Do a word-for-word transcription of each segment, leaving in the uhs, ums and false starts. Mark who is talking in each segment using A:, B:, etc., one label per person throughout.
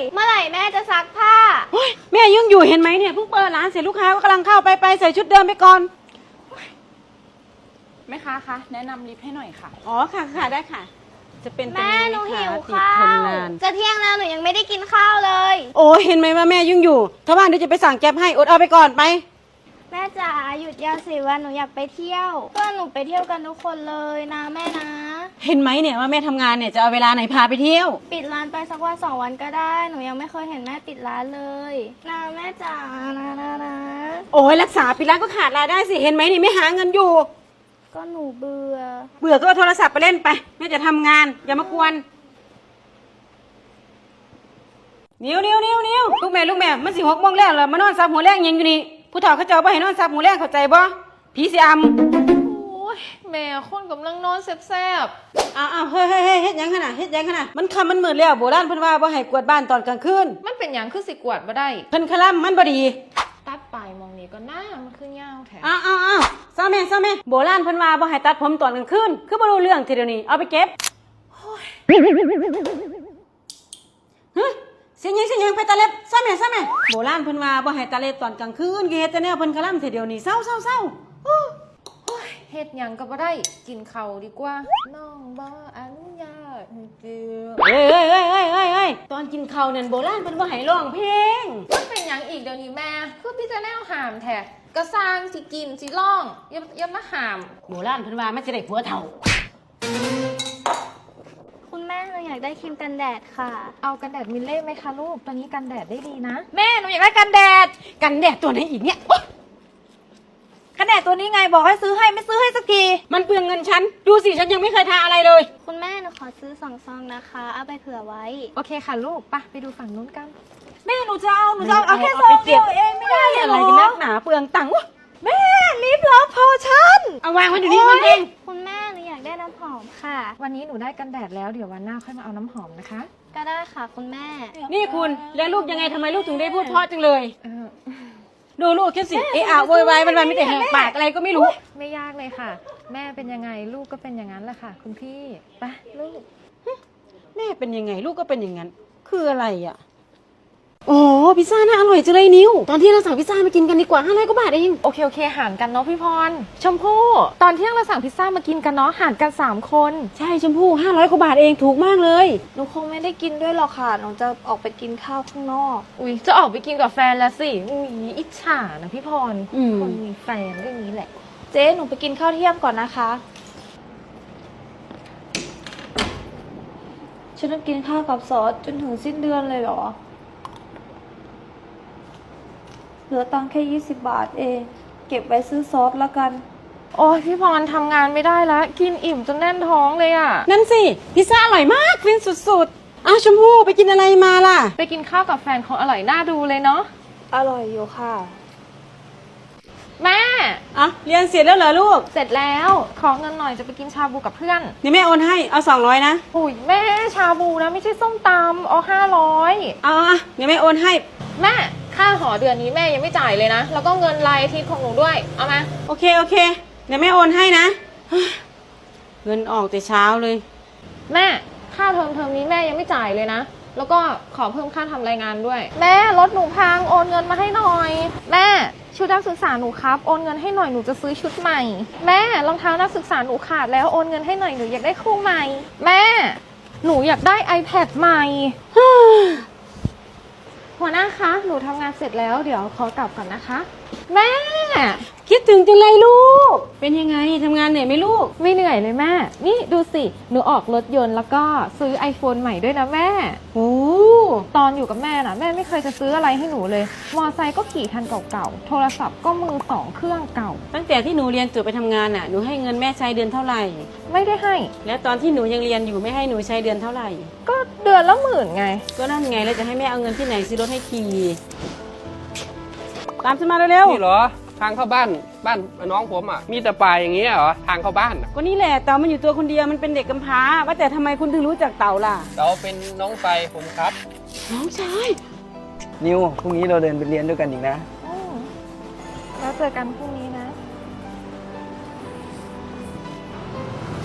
A: เมื่อไหร่แม่จะซักผ้า
B: แม่ยังอยู่เห็นไหมเนี่ยเพิ่งเปิดร้านเสร็จลูกค้าก็กำลังเข้าไปไปใส่ชุดเดิมไปก่อน
C: แม่ค้าคะแนะนำลิฟต์ให้หน่อยค่ะ
B: อ๋อค่ะค่ะได้ค่ะจะเป็น
A: แม่หนูหิว
B: ติด
A: ข้า
B: ทน
A: วน
B: าน
A: จะเที่ยงแล้วหนูยังไม่ได้กินข้าวเลย
B: โอ้เห็นไหมว่าแม่ยุ่งอยู่ถ้าว่างเดี๋ยวจะไปสั่งแก๊ปให้อดเอาไปก่อนไป
A: แม่จ๋าหยุดยาวสิวันหนูอยากไปเที่ยวเพื่อนหนูไปเที่ยวกันทุกคนเลยนะแม่นะ
B: เห็นไหมเนี่ยว่าแม่ทำงานเนี่ยจะเอาเวลาไหนพาไปเที่ยว
A: ปิดร้านไปสักวันสองวันก็ได้หนูยังไม่เคยเห็นแม่ปิดร้านเลยนะแม่จ๋านะนะนะ
B: โอ้ยรักษาปิดร้านก็ขาดรายได้สิเห็นไหมนี่ไม่หาเงินอยู่
A: ก็หนูเบื่อ
B: เบื่อก็เอาโทรศัพท์ไปเล่นไปแม่จะทำงานอย่ามากวนนิ้วนิ้วนิ้วนิ้วลูกแม่ลูกแม่มันสิหกโมงแรกแล้วมานอนซับหัวแรงยังอยู่นี่ผู้เฒ่าเขาเจ้าบ่ให้นอนซับหัวแรงเข้าใจบ่ผีสิอำ
C: โอ้ยแม่คนกำลังนอนแซ่บ
B: อ้าวอ้าวเฮ้ยเฮ้ยเฮ้ยเฮ็ดหยังขนาดเฮ็ดหยังขนาดมันคำมันมืดแล้วโบราณเพิ่นว่าบ่ให้กวาดบ้านตอนกลางคืน
C: ๆมันเป็นอย่างคือสิกวาดบ่ได้
B: เพิ่นคลั่มมันบ่ดี
C: ตัดปลายมองนี้ก็น่ามันคือยาวแท้
B: อ้าวอ้าวอ้าวซาแม่ซาแม่โบราณเพิ่นว่าบ่ให้ตัดผมตอนกลางคืนคือบ่รู้เรื่องทีเดียวนี้เอาไปเก็บฮะเสียงยังเสียงยังไปตาเล็บซาแม่ซาแม่โบราณเพิ่นว่าบ่ให้ตาเล็บตอนกลางคืนคือเฮ็ดแต่แนวเพิ่นคลั่มทีเดียวนี้เศร้าเศร้าเศร้า
C: เฮ็ดหยังก็บ่ได้กินข้าวดีกว่าน้องบ่อนุญาตให้เจือ
B: เอ้ยเอ้ยเอ้ยเอ้ยเอ้ยเอ้ยตอนกินข้าวนั่นโบราณเพิ่นบ่ให้ร้องเพลง
C: มันเป็นหยังอีกเดี๋ยวนี้แม่คือพี่จะแนวหามแท้กระซางสิกินสิร้องอย่าอย่ามาหาม
B: โบราณเพิ่นว่ามันสิได้ผัวเฒ่า
A: คุณแม่หนูอยากได้ครีมกันแดดค่ะ
C: เอากันแดดมิลเล่ไหมคะลูกตอนนี้กันแดดได้ดีนะ
D: แม่หนูอยากได้กันแดด
B: กันแดดตัวไหนอีกเนี่ย
D: กันแดดตัวนี้ไงบอกให้ซื้อให้ไม่ซื้อให้สักที
B: มันเปลืองเงินฉันดูสิฉันยังไม่เคยทาอะไรเลย
A: คุณแม่หนูขอซื้อสองซองนะคะเอาไปเผื่อไว้
C: โอเคค่ะลูกปะไปดูฝั่งนู้นกัน
D: แม่หนูจะเอาหนูจะเอาเอาแค่ซองเดียวเองไม่ได้
B: อะไรกันนักหนาเปลืองตังค์
D: แม่ลิปลอฟพอชั่น
B: เอาวางไว้เดี๋ยวนี้มันเอง
A: คุณแม่หนูอยากได้น้ำหอมค่ะ
C: วันนี้หนูได้กันแดดแล้วเดี๋ยววันหน้าค่อยมาเอาน้ำหอมนะคะ
A: ก็ได้ค่ะคุณแม่
B: นี่คุณเลี้ยงลูกยังไงทำไมลูกถึงได้พูดเพราะจังเลยดูลูกแค่สิเอะอะโวยวายมันมันไม่แต่แหกปากอะไรก็ไม่รู้
C: ไม่ยากเลยค่ะแม่เป็นยังไงลูกก็เป็นอย่างนั้นแหละค่ะคุณพี่ไปลูก
B: แม่เป็นยังไงลูกก็เป็นอย่างนั้นคืออะไรอ่ะโอ้พิซซ่าน่าอร่อยจังเลยนิวตอนที่เราสั่งพิซซ่ามากินกันดีกว่าห้าร้อยกว่าบาทเอง
C: โอเคโอเคหารกันเนาะพี่พรชมพู่ตอนเที่ยงเราสั่งพิซซ่ามากินกันเนาะหารกันสามคน
B: ใช่ชมพู่ห้าร้อยกว่าบาทเองถูกมากเลย
A: หนูคงไม่ได้กินด้วยหรอกค่ะหนูจะออกไปกินข้าวข้างนอก
C: อุ้ยจะออกไปกินกับแฟนแล้วสิอุ้ยอิจฉานะพี่พรคนมีแฟนเรื่องนี้แหละ
A: เจ๊หนูไปกินข้าวเที่ยงก่อนนะคะฉันต้องกินข้าวกับซอสจนถึงสิ้นเดือนเลยเหรอเหลือตังค์แค่ยี่สิบบาทเองเก็บไว้ซื้อซอสละกัน
C: โอ้ยพี่พรทำงานไม่ได้แล้วกินอิ่มจนแน่นท้องเลยอ่ะ
B: นั่นสิพิซซ่าอร่อยมากฟินสุดๆอ้าวชมพู่ไปกินอะไรมาล่ะ
C: ไปกินข้าวกับแฟนของอร่อยน่าดูเลยเนาะ
A: อร่อยอยู่ค่ะ
C: แม่
B: อ่ะเรียนเสร็จแล้วเหรอลูก
C: เสร็จแล้วขอเงินหน่อยจะไปกินชาบูกับเพื่อน
B: เดี๋ยวแม่โอนให้เอาสองร้อยนะ
C: อุ้ยแม่ชาบูนะไม่ใช่ส้มตำเอาห้าร้อย
B: เอาอ่ะเดี๋ยวแม่โอนให้
C: แม่ค่าหอเดือนนี้แม่ยังไม่จ่ายเลยนะแล้วก็เงินรายอาทิตย์ของหนูด้วยเอามา
B: โอเคโอเคเดี๋ยวแม่โอนให้นะเงินออกแต่เช้าเลย
C: แม่ค่าเทอมเทอมนี้แม่ยังไม่จ่ายเลยนะแล้วก็ขอเพิ่มค่าทำรายงานด้วยแม่รถหนูพังโอนเงินมาให้หน่อยแม่ชุดนักศึกษาหนูครับโอนเงินให้หน่อยหนูจะซื้อชุดใหม่แม่รองเท้านักศึกษาหนูขาดแล้วโอนเงินให้หน่อยหนูอยากได้คู่ใหม่แม่หนูอยากได้ iPad ใหม่หัวหน้าคะหนูทำงานเสร็จแล้วเดี๋ยวขอกลับก่อนนะคะแม่
B: คิดถึงจังเลยลูกเป็นยังไงทำงานเหนื่อยไหมลูก
C: ไม่เหนื่อยเลยแม่นี่ดูสิหนูออกรถยนต์แล้วก็ซื้อ iPhone ใหม่ด้วยนะแม่
B: โอ้
C: ตอนอยู่กับแม่น่ะแม่ไม่เคยจะซื้ออะไรให้หนูเลยมอไซค์ก็ขี่คันเก่าๆโทรศัพท์ก็มือสองเครื่องเก่า
B: ตั้งแต่ที่หนูเรียนจบไปทำงานน่ะหนูให้เงินแม่ใช้เดือนเท่าไหร่
C: ไม่ได้ให้
B: แล้วตอนที่หนูยังเรียนอยู่ไม่ให้หนูใช้เดือนเท่าไหร่
C: ก็เดือนละหมื่นไง
B: ก็นั่นไงแล้วจะให้แม่เอาเงินที่ไหนซื้อรถให้ขี่ตามฉันมาเร็ว
E: ๆนี่เหรอทางเข้าบ้านบ้านน้องผมอ่ะมีแต่ป่าอย่างนี้เหรอทางเข้าบ้าน
B: ก็นี่แหละเต่ามันอยู่ตัวคนเดียวมันเป็นเด็กกำพร้าว่าแต่ทำไมคุณถึงรู้จักเต่าล่ะ
E: เต่าเป็นน้องไฟผมครับ
B: น้องชาย
F: นิวพรุ่งนี้เราเดินไปเรียนด้วยกันอีกนะ
C: แล้วเจอกันพรุ่งนี้นะ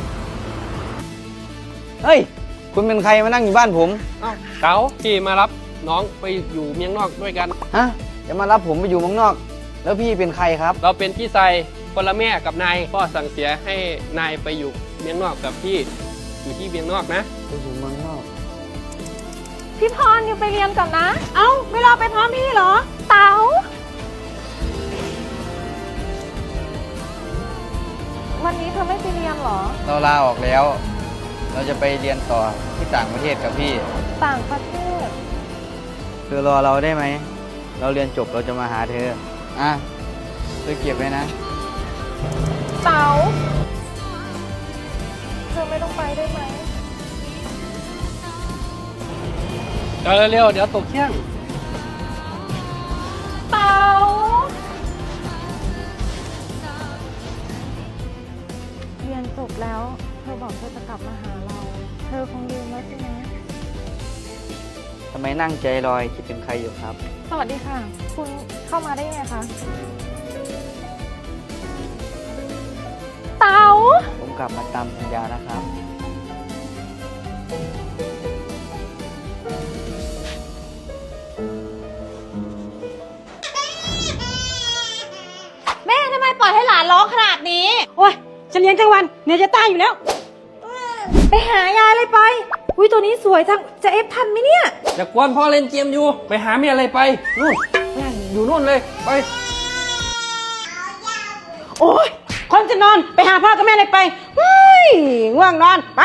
F: เฮ้ยคุณเป็นใครมานั่งอยู่บ้านผม
E: เอ้าเต่าพี่มารับน้องไปอยู่เมียงนอกด้วยกัน
F: ฮะ จะมารับผมไปอยู่เมืองนอก แล้วพี่เป็นใครครับ
E: เราเป็นพี่ชายคนละแม่กับนายพ่อสั่งเสียให้นายไปอยู่เมียงนอกกับพี่อยู่ที่เมียงนอกนะ
F: ไปอยู่เมืองนอก
C: พี่พรอยู่ไปเรียนก่อนนะ
B: เอ้าไม่รอไปพร้อมพี่เหรอ
C: เต๋าวันนี้เธอไม่ไปเรียนเหรอ
F: เราลาออกแล้ว เราจะไปเรียนต่อที่ต่างประเทศกับพี่
C: ต่างประเทศ
F: เธอรอเราได้ไหม เราเรียนจบเราจะมาหาเธอ อ่ะเธอเก็บไว้นะ
C: เต๋าเธอไม่ต้องไปได้ไหม
E: เดี๋ยวเร็วๆเดี๋ยวตกเที่ยง
C: เต๋าเรียนจบแล้ว เธอบอกเธอจะกลับมาหาเรา เธอคงลืมแล้วใช่ไหม
F: ทำไมนั่งใจลอยคิดถึงใครอยู่ครับ
C: สวัสดีค่ะ คุณเข้ามาได้ไงคะ เต๋า
F: ผมกลับมาตามสัญญานะครับ
D: แม่ทำไมปล่อยให้หลานร้องขนาดนี้
B: โอ้ยฉันเลี้ยงทั้งวันเหเนี่ยจะตายอยู่แล้ว
D: ไปหายายเลยไป อุ้ยตัวนี้สวยจังจะเอฟทันไหมเนี่ย
E: อย่ากวนพ่อเล่นเกมอยู่ ไปหาเมียอะไรไปนู่นแม่อยู่นู่นเลยไป
B: โอ้ยคนจะนอนไปหาพ่อกับแม่เลยไปเฮ้ยง่วงนอนไป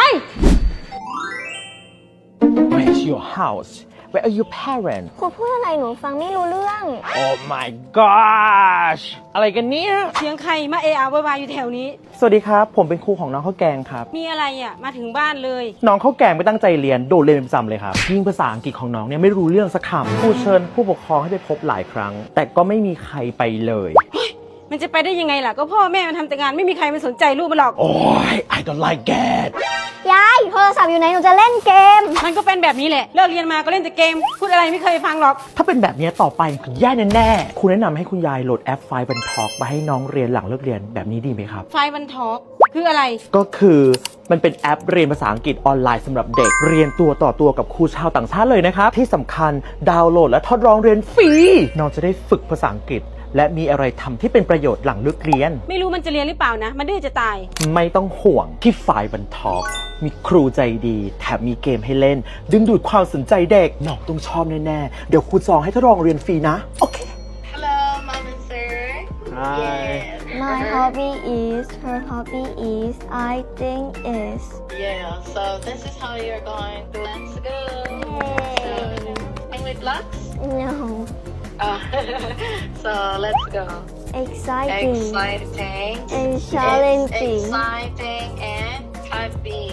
G: Where's your house? Where are your parents?
A: ครูพูดอะไรหนูฟังไม่รู้เรื่อง
G: Oh my gosh อะไรกันเนี่ย
B: เสียงใครมาเอะอะโวยวายอยู่แถวนี้
G: สวัสดีครับ ผมเป็นครูของน้องข้าวแกงครับ
B: มีอะไรอ่ะมาถึงบ้านเลย
G: น้องข้าวแกงไม่ตั้งใจเรียนโดดเรียนเป็นประจำเลยครับยิ่งภาษาอังกฤษของน้องเนี่ยไม่รู้เรื่องสักคำครูเชิญผู้ปกครองให้ไปพบหลายครั้ง แต่ก็ไม่มีใครไปเลย
B: มันจะไปได้ยังไงล่ะก็พ่อแม่มันทำแต่งานไม่มีใครมาสนใจลูกมันหรอก
G: โอ้ย I don't like that
A: ยายโทรศัพท์อยู่ไหนหนูจะเล่นเกม
B: มันก็เป็นแบบนี้แหละเลิกเรียนมาก็เล่นแต่เกม พูดอะไรไม่เคยฟังหรอก
G: ถ้าเป็นแบบนี้ต่อไปคือแย่แน่ๆคุณแนะนำให้คุณยายโหลดแอปไฟล์บันทอกมาให้น้องเรียนหลังเลิกเรียนแบบนี้ดีไหมครับ
B: ไฟวันทอกคืออะไร
G: ก็คือมันเป็นแอปเรียนภาษาอังกฤษออนไลน์สำหรับเด็กเรียนตัวต่อตัวกับครูชาวต่างชาติเลยนะครับ ที่สำคัญดาวน์โหลดและทดลองเรียนฟรีน้องจะได้ฝึกภาษาอังกฤษ และมีอะไรทำที่เป็นประโยชน์หลังเลิกเรียน
B: ไม่รู้มันจะเรียนหรือเปล่านะ มันดื้อจะตาย
G: ไม่ต้องห่วงที่ไฟล์บันทอกมีครูใจดีแถมมีเกมให้เล่น ดึงดูดความสนใจเด็กน้องต้องชอบแน่ๆเดี๋ยวครูจองให้ทดลองเรียนฟรีนะโอเค
H: Hello, mom and sir.
G: Hi.
A: My hobby is her hobby is I think is
H: Yeah, so this is how you're going to. Let's go. So, English blocks?
A: no
H: Oh, so let's go.
A: exciting
H: Exciting.
A: and challenging
H: It's exciting and happy.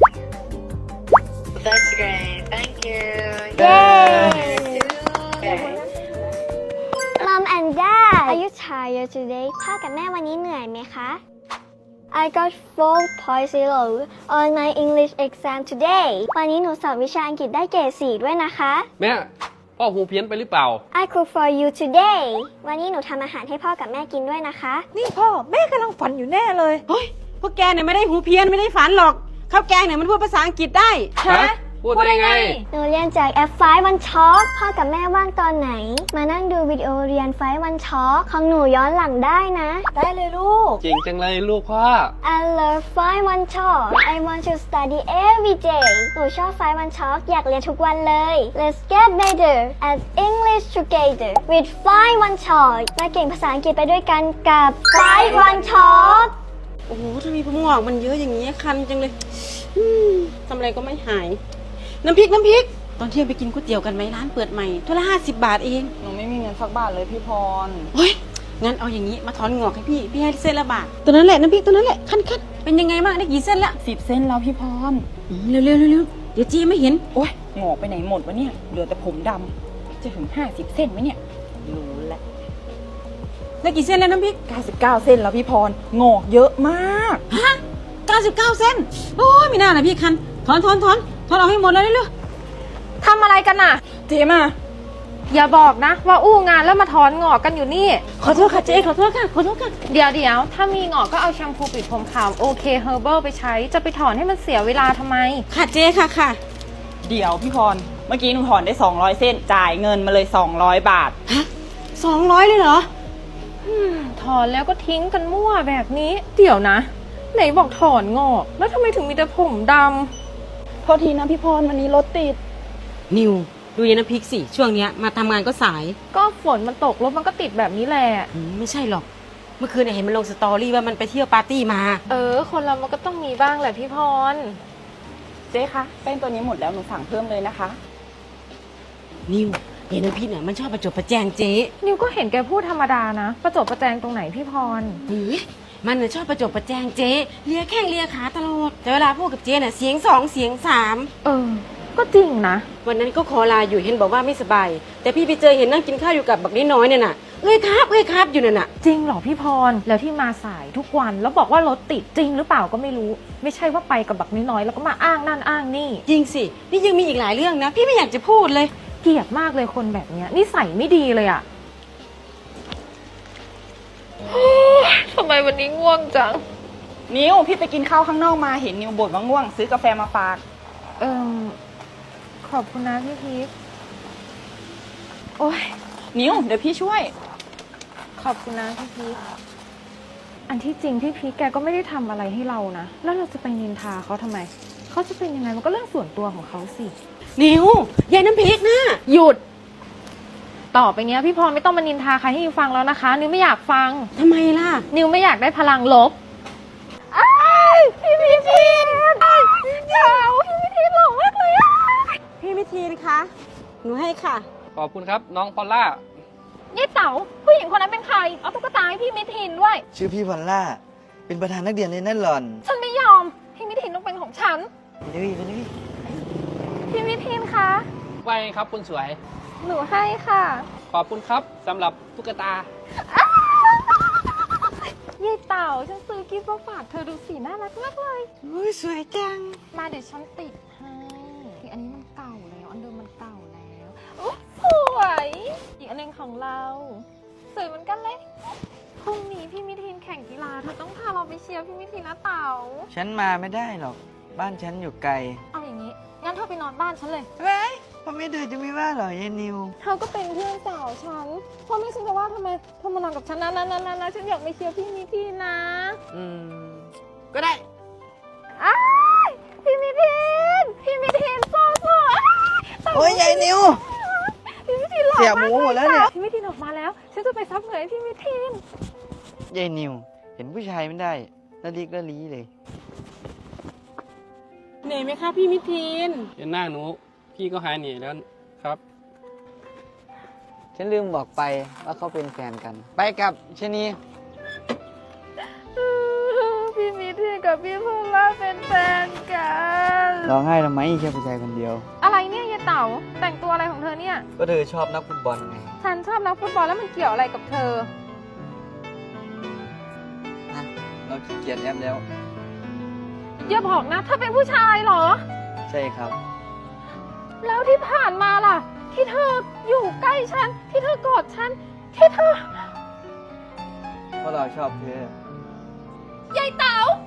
H: That's great. Thank you.
A: Yay!
H: Okay.
A: Mom and Dad are you tired today พ่อกับแม่วันนี้เหนื่อยไหมคะ I got four point zero on my English exam today วันนี้หนูสอบวิชาอังกฤษได้เกรดสี่ด้วยนะคะ
E: แม่พ่อหูเพี้ยนไปหรือเปล่า
A: I cook for you today วันนี้หนูทำอาหารให้พ่อกับแม่กินด้วยนะคะ
D: นี่พ่อแม่กำลังฝันอยู่แน่เลย
B: เฮ้ย พวกแกเนี่ยไม่ได้หูเพี้ยนไม่ได้ฝันหรอก ข้าวแกงเนี่ยมันพูดภาษาอังกฤษได้
E: ฮะ พูดได้ไง
A: หนูเรียนจากแอปไฟวันช็อคพ่อกับแม่ว่างตอนไหน มานั่งดูวิดีโอเรียนไฟวันช็อคของหนูย้อนหลังได้นะ
D: ได้เลยลูก
E: เก่งจังเลยลูกพ่อ
A: I love ไฟวันช็อค I want to study every day หนูชอบไฟวันช็อคอยากเรียนทุกวันเลย Let's get better at English together with ไฟวันช็อคมาเก่งภาษาอังกฤษไปด้วยกันกับไฟวันช็อค
B: โอ้โหทำไมผมงอกมันเยอะอย่างนี้คันจังเลยอืมทำอะไรก็ไม่หาย น้ำพริกน้ำพริก ตอนเที่ยงไปกินก๋วยเตี๋ยวกันไหมร้านเปิดใหม่ถ้วยละห้าสิบบาทเอง
I: หนูไม่มีเงินสักบาทเลยพี่พร
B: เฮ้ย งั้นเอาอย่างนี้มาถอนงอกให้พี่ พี่ให้เส้นละบาท ตัวนั้นแหละน้ำพริกตัวนั้นแหละ คันคันเป็นยังไงบ้างได้กี่เส้นละ
I: สิบเส้นแล้วพี่พร
B: อืมเร็วเร็วเร็วเร็วเดี๋ยวจี้ไม่เห็น
I: โอ๊ยงอกไปไหนหมดวะเนี่ย เหลือแต่ผมดำ จะถึงห้าสิบเส้นไหมเนี่ย รู้แล้ว
B: ได้กี่เส้นแล้วน้ำพริก
I: เก้าสิบเก้าเส้นแล้วพี่พรงอกเยอะมาก
B: ฮะเก้าสิบเก้าเส้น โอ้ยไม่น่าเลยพี่คัน ถอนถอนถอนถอนเอาให้หมดเลยเร็ว
C: ทำอะไรกันน่ะ
I: เจมา
C: อย่าบอกนะ ว่าอู้งานแล้วมาถอนงอกกันอยู่นี่
B: ขอโทษค่ะเจ๊ขอโทษค่ะขอโทษค่ะ
C: เดี๋ยวเดี๋ยวถ้ามีงอกก็เอาแชมพูปิดผมขาวโอเคเฮอร์เบิลไปใช้ จะไปถอนให้มันเสียเวลาทำไม
B: ค่ะเจ๊ค่ะค่ะ
I: เดี๋ยวพี่พรเมื่อกี้หนูถอนได้สองร้อยเส้น จ่ายเงินมาเลยสองร้อยบาท
B: ฮะสองร้อยเลยเหรอ
C: ถอนแล้วก็ทิ้งกันมั่วแบบนี้ เดี๋ยวนะ ไหนบอกถอนงอก แล้วทำไมถึงมีแต่ผมด
I: โทษทีนะพี่พรวันนี้รถติด
B: นิว ดูยายน้ำพริกสิ ช่วงเนี้ยมาทำงานก็สาย
C: ำก็ฝนมันตกรถมันก็ติดแบบนี้แหละ
B: อืมไม่ใช่หรอก เมื่อคืนเนี่ยเห็นมันลงสตอรี่ว่ามันไปเที่ยวปาร์ตี้มา
C: เออ คนเรามันก็ต้องมีบ้างแหละพี่พร
I: เจ๊คะแป้งตัวนี้หมดแล้วหนูสั่งเพิ่มเลยนะคะ
B: นิวยายน้ำพริกเนี่ยมันชอบประจบประแจงเจ๊
C: นิวก็เห็นแกพูดธรรมดานะ ประจบประแจงตรงไหนพี่พร
B: เฮ้ยมันน่ะชอบประจบประแจงเจ๊เลียแข้งเลียขาตลอด แต่เวลาพูดกับเจ๊เนี่ยเสียงสองเสียงสาม
C: เออ ก็จริงนะ
B: วันนั้นก็ขอลาอยู่เห็นบอกว่าไม่สบาย แต่พี่ไปเจอเห็นนั่งกินข้าวอยู่กับบักน้อยๆเนี่ยน่ะ เอ้ยครับเอ้ยครับอยู่นั่นน่ะ
C: จริงเหรอพี่พร แล้วที่มาสายทุกวัน แล้วบอกว่ารถติดจริงหรือเปล่าก็ไม่รู้ ไม่ใช่ว่าไปกับบักน้อยๆแล้วก็มาอ้างนั่นอ้างนี่
B: จริงสิ นี่ยังมีอีกหลายเรื่องนะ พี่ไม่อยากจะพูดเลย
C: เกลียดมากเลยคนแบบเนี้ยนิสัยไม่ดีเลยอะทำไมวันนี้ง่วงจัง
I: นิวพี่ไปกินข้าวข้างนอกมาเห็นนิวบ่นว่าง่วง ซื้อกาแฟมาฝาก
C: เอิมขอบคุณนะพี่พีคโอ้ย
I: นิวเดี๋ยวพี่ช่วย
C: ขอบคุณนะพี่พีคอันที่จริงพี่พีคแกก็ไม่ได้ทำอะไรให้เรานะ แล้วเราจะไปนินทาเขาทำไม เขาจะเป็นยังไงมันก็เรื่องส่วนตัวของเขาสิ
B: นิวยายน้ำพริกนะ
C: หยุด ต่อไปเนี้ยพี่พรไม่ต้องมานินทาใครให้นิวฟังแล้วนะคะ นิวไม่อยากฟัง
B: ทำไมล่ะ
C: นิวไม่อยากได้พลังลบอ้ายพี่มิทีนเจ้าพี่มิทีนหล่อมากเลยอะ
B: พี่มิทีนคะ หนูให้ค่ะ
E: ขอบคุณครับน้องพอลล่า
C: ยี่เต๋าผู้หญิงคนนั้นเป็นใคร เอาตุ๊กตาให้พี่มิทีนด้วย
F: ชื่อพี่พอลล่า เป็นประธานนักเรียนเลยนั่นหล่อน
C: ฉันไม่ยอม พี่มิทีนต้องเป็นของฉัน
F: ไปเลยไปเลย
C: พี่มิทีนคะ
E: ไปครับคุณสวย
C: หนูให้ค่ะ
E: ขอบคุณครับสำหรับตุ๊กตา
C: ยี่เต๋าฉันซื้อกิฟต์มาฝากเธอดูสีน่ารักมากเลย
B: อุ้ยสวยจัง
C: มาเดี๋ยวฉันติดให้อีกอันนี้มันเก่าแล้ว อันเดิมมันเก่าแล้วโอ้สวย อีกอันหนึงของเรา สวยเหมือนกันเลย พรุ่งนี้พี่มิทีนแข่งกีฬา เธอต้องพาเราไปเชียร์พี่มิทีนนะเต๋า
F: ฉันมาไม่ได้หรอก บ้านฉันอยู่ไกล
C: เอาอย่างนี้ งั้นเธอไปนอนบ้านฉันเลย
F: เฮ้ยพ่อแม่เธอจะไม่ว่าหรอยายนิว
C: เธอก็เป็นเพื่อนสาวฉันพ่อแม่ฉันจะว่าทำไมเธอมานอนกับฉันนะนะนะนะนะฉันอยากไปเชียร์พี่มิทีนนะ
B: อืม ก็ได้
C: อ้ายพี่มิทีนพี่มิทีนโซ่โซ่อ้ายเต๋า
F: โอ้ยยายนิว
C: พี่มิทีนหล่อ
F: เสีย
C: มาก
F: หมูหมดแล้วเนี่ย
C: พี่มิทีนออกมาแล้ว ฉันจะไปซับเหงื่อให้พี่มิทีน
F: ยายนิว เห็นผู้ชายไม่ได้ละลิกละลีเลย
B: เหนื่อยไหมคะพี่มิทีน
E: เห็นหน้าหนู พี่ก็หายเหนื่อยแล้วครับ
F: ฉันลืมบอกไปว่าเขาเป็นแฟนกัน ไปกับชนี
C: พี่มิทีนกับพี่พลล่าเป็นแฟนกัน
F: ร้องไห้ทำไมแค่ผู้ชายคนเดียว
C: อะไรเนี่ยยายเต๋าแต่งตัวอะไรของเธอเนี่ย
F: ก็เธอชอบนักฟุตบอลไง
C: ฉันชอบนักฟุตบอลแล้วมันเกี่ยวอะไรกับเธอ
F: นะเราขี้เกียจแอปแล้ว
C: อย่าบอกนะเธอเป็นผู้ชายเหรอ
F: ใช่ครับ
C: แล้วที่ผ่านมาล่ะ ที่เธออยู่ใกล้ฉัน ที่เธอกอดฉัน ที่เธอ
F: เพราะเราชอบเธอ
C: ยายเต๋า